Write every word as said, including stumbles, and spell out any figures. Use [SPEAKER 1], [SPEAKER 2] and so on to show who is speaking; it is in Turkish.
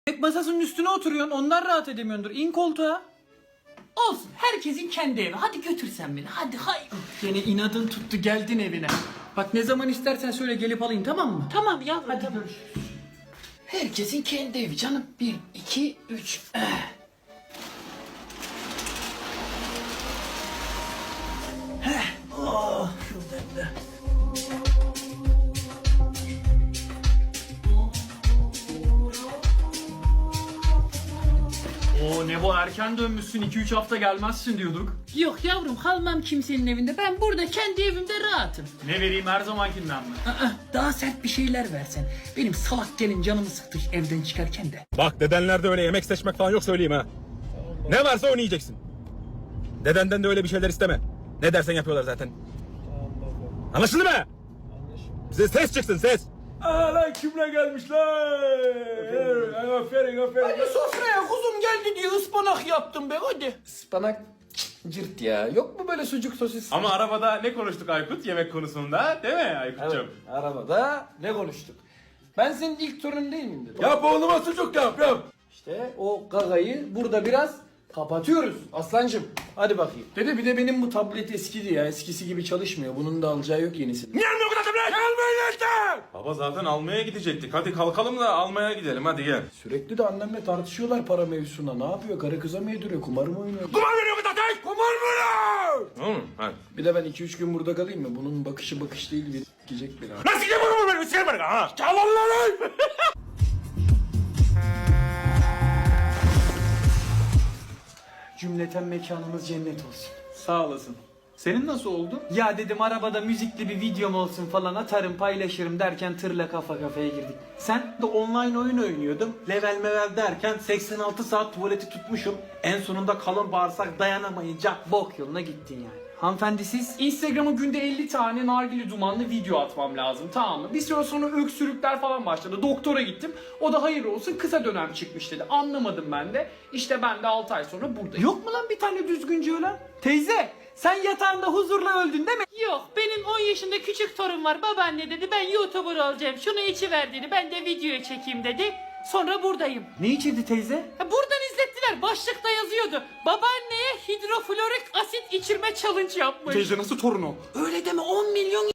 [SPEAKER 1] Yemek masasının üstüne oturuyorsun, ondan rahat edemiyordur. İn koltuğa.
[SPEAKER 2] Olsun, herkesin kendi evi. Hadi götürsen beni, hadi hay.
[SPEAKER 1] Yine inadın tuttu, geldin evine. Bak ne zaman istersen söyle, gelip alayım, tamam mı?
[SPEAKER 2] Tamam yavrum,
[SPEAKER 1] Hadi
[SPEAKER 2] tamam.
[SPEAKER 1] görüşürüz.
[SPEAKER 2] Herkesin kendi evi canım. Bir, iki, üç. Eh. Heh. Oh, şuradan da.
[SPEAKER 1] Oo ne bu, erken dönmüşsün, iki üç hafta gelmezsin diyorduk.
[SPEAKER 2] Yok yavrum, kalmam kimsenin evinde. Ben burada kendi evimde rahatım.
[SPEAKER 1] Ne vereyim, her zamankinden mi?
[SPEAKER 2] Aa, daha sert bir şeyler versen. Benim salak gelin canımı sıktı evden çıkarken de.
[SPEAKER 3] Bak dedenlerde öyle yemek seçmek falan yok söyleyeyim ha. Ne varsa onu yiyeceksin. Dedenden de öyle bir şeyler isteme. Ne dersen yapıyorlar zaten. Anlaşıldı mı? Bize ses çıksın ses.
[SPEAKER 1] Aa lan kimle gelmişler? Aferin aferin.
[SPEAKER 2] Hadi sofraya kuzum geldi diye ıspanak yaptım be, hadi.
[SPEAKER 1] Ispanak cırt ya. Yok mu böyle sucuk sosis?
[SPEAKER 4] Ama arabada ne konuştuk Aykut yemek konusunda, değil mi Aykut'cum?
[SPEAKER 1] Evet, arabada ne konuştuk? Ben senin ilk torunun değil miyim dedim.
[SPEAKER 3] Yap oğluma sucuk yap yap.
[SPEAKER 1] İşte o gagayı burada biraz kapatıyoruz aslancım. Hadi bakayım. Dede bir de benim bu tablet eskidi ya. Eskisi gibi çalışmıyor. Bunun da alacağı yok yenisini.
[SPEAKER 3] Niye almıyor bu kadar tablet? Almayın işte.
[SPEAKER 4] Baba zaten almaya gidecektik. Hadi kalkalım da almaya gidelim, hadi gel.
[SPEAKER 1] Sürekli de annemle tartışıyorlar para mevzusuna. Ne yapıyor? Karı kıza mı yediriyor? Kumar mı oynuyor?
[SPEAKER 3] Kumar veriyor bu zaten. Kumar veriyor.
[SPEAKER 4] Tamam mı? Hadi.
[SPEAKER 1] Bir de ben iki üç gün burada kalayım mı? Bunun bakışı bakış değil, bir gidecek beni.
[SPEAKER 3] Nasıl yiyeyim bunu benim? Sikerim bana ha. Çalın lan.
[SPEAKER 1] Cümleten mekanımız cennet olsun.
[SPEAKER 4] Sağ olasın. Senin nasıl oldu?
[SPEAKER 1] Ya dedim arabada müzikli bir videom olsun falan, atarım paylaşırım derken tırla kafa kafaya girdik. Sen de online oyun oynuyordum. Level mevel derken seksen altı saat tuvaleti tutmuşum. En sonunda kalın bağırsak dayanamayınca bok yoluna gittin yani. Hanımefendi siz? Instagram'a günde elli tane nargile dumanlı video atmam lazım, tamam mı? Bir süre sonra öksürükler falan başladı. Doktora gittim. O da hayır olsun kısa dönem çıkmış dedi. Anlamadım ben de. İşte ben de altı ay sonra buradayım. Yok mu lan bir tane düzgünce ölen? Teyze sen yatağında huzurla öldün değil mi?
[SPEAKER 2] Yok, benim on yaşında küçük torun var. Babaanne dedi ben YouTuber olacağım. Şunu içiverdiğini ben de videoya çekeyim dedi. Sonra buradayım.
[SPEAKER 1] Ne içirdi teyze?
[SPEAKER 2] Ha, buradan izlettiler. Başlıkta yazıyordu. Babaanneye hidroflorik asit içirme challenge yapmış.
[SPEAKER 1] Teyze nasıl torun o?
[SPEAKER 2] Öyle deme, on milyon